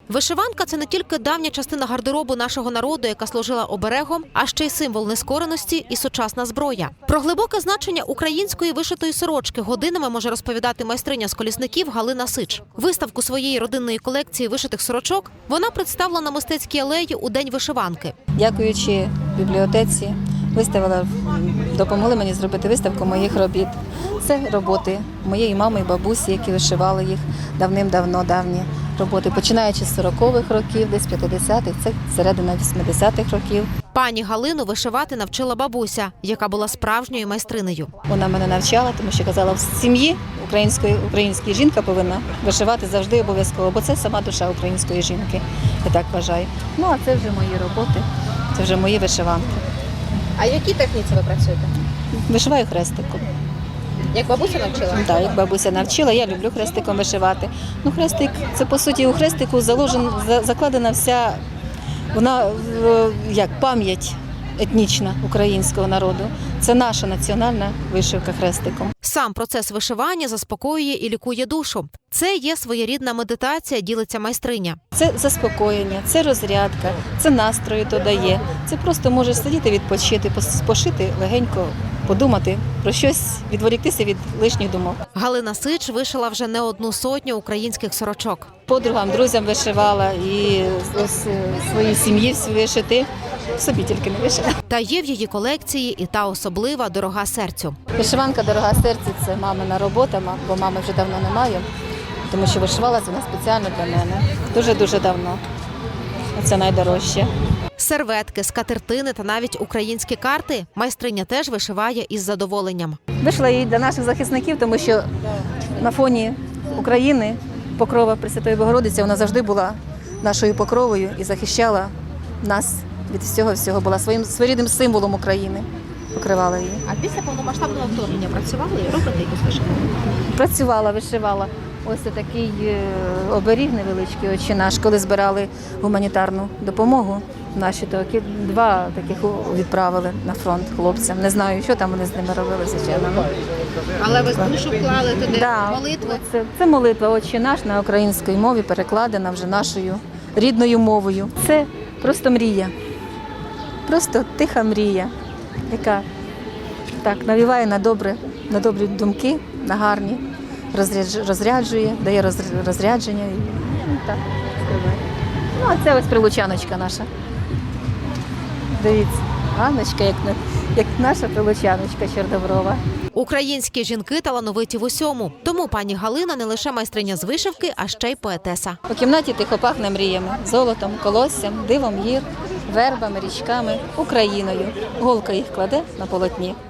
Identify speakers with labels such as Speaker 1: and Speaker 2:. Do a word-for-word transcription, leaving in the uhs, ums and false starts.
Speaker 1: Вишиванка – це не тільки давня частина гардеробу нашого народу, яка служила оберегом, а ще й символ нескореності і сучасна зброя. Про глибоке значення української вишитої сорочки годинами може розповідати майстриня з Колісників Галина Сич. Виставку своєї родинної колекції вишитих сорочок вона представила на Мистецькій алеї у День вишиванки.
Speaker 2: Дякуючи бібліотеці, виставила, допомогли мені зробити виставку моїх робіт. Це роботи моєї мами і бабусі, які вишивали їх давним-давно, давні роботи, починаючи з сорокових років, десь п'ятдесятих, це середина вісімдесятих років.
Speaker 1: Пані Галину вишивати навчила бабуся, яка була справжньою майстринею.
Speaker 2: Вона мене навчала, тому що казала, в сім'ї української, українська жінка повинна вишивати завжди обов'язково, бо це сама душа української жінки, я так вважаю. Ну, а це вже мої роботи, це вже мої вишиванки.
Speaker 1: А якій техніці ви працюєте?
Speaker 2: Вишиваю хрестиком.
Speaker 1: Як бабуся навчила?
Speaker 2: Так, як бабуся навчила, я люблю хрестиком вишивати. Ну, хрестик, це по суті у хрестику заложен, закладена вся, вона як пам'ять етнічна українського народу. Це наша національна вишивка хрестиком.
Speaker 1: Сам процес вишивання заспокоює і лікує душу. Це є своєрідна медитація, ділиться майстриня.
Speaker 2: Це заспокоєння, це розрядка, це настрою то дає. Це просто можеш сидіти, відпочити, пошити легенько, подумати про щось, відволіктися від лишніх думок.
Speaker 1: Галина Сич вишила вже не одну сотню українських сорочок.
Speaker 2: Подругам, друзям вишивала і ось своїй сім'ї вишити. Собі тільки не вишила.
Speaker 1: Та є в її колекції і та особлива, дорога серцю.
Speaker 2: Вишиванка «Дорога серцю» – це мамина робота, бо мами вже давно немає, тому що вишивалася вона спеціально для мене. Дуже-дуже давно. Це найдорожче.
Speaker 1: Серветки, скатертини та навіть українські карти майстриня теж вишиває із задоволенням.
Speaker 2: Вишила її для наших захисників, тому що на фоні України покрова Пресвятої Богородиці, вона завжди була нашою покровою і захищала нас від всього-всього, була своїм своєрідним символом України, покривала її.
Speaker 1: А після повномасштабного вторгнення працювали і робите якусь вишиванку?
Speaker 2: Працювала, вишивала. Ось такий оберіг невеличкий «Отче наш», коли збирали гуманітарну допомогу. Наші такі, два таких відправили на фронт хлопцям. Не знаю, що там вони з ними робили, звичайно.
Speaker 1: Але ви душу вклали туди
Speaker 2: да,
Speaker 1: молитву?
Speaker 2: Це, це молитва «Отче наш» на українській мові, перекладена вже нашою рідною мовою. Це просто мрія. Просто тиха мрія, яка так навіває на добре, на добрі думки, на гарні, розряджує, дає розрядження. І, ну, так, ну, а це ось прилучаночка наша. Дивіться, Ганночка, як, як наша прилучаночка чорноброва.
Speaker 1: Українські жінки талановиті в усьому. Тому пані Галина не лише майстриня з вишивки, а ще й поетеса.
Speaker 2: У кімнаті тихо пахне мріями, золотом, колоссям, дивом гір, вербами, річками, Україною. Голка їх кладе на полотні.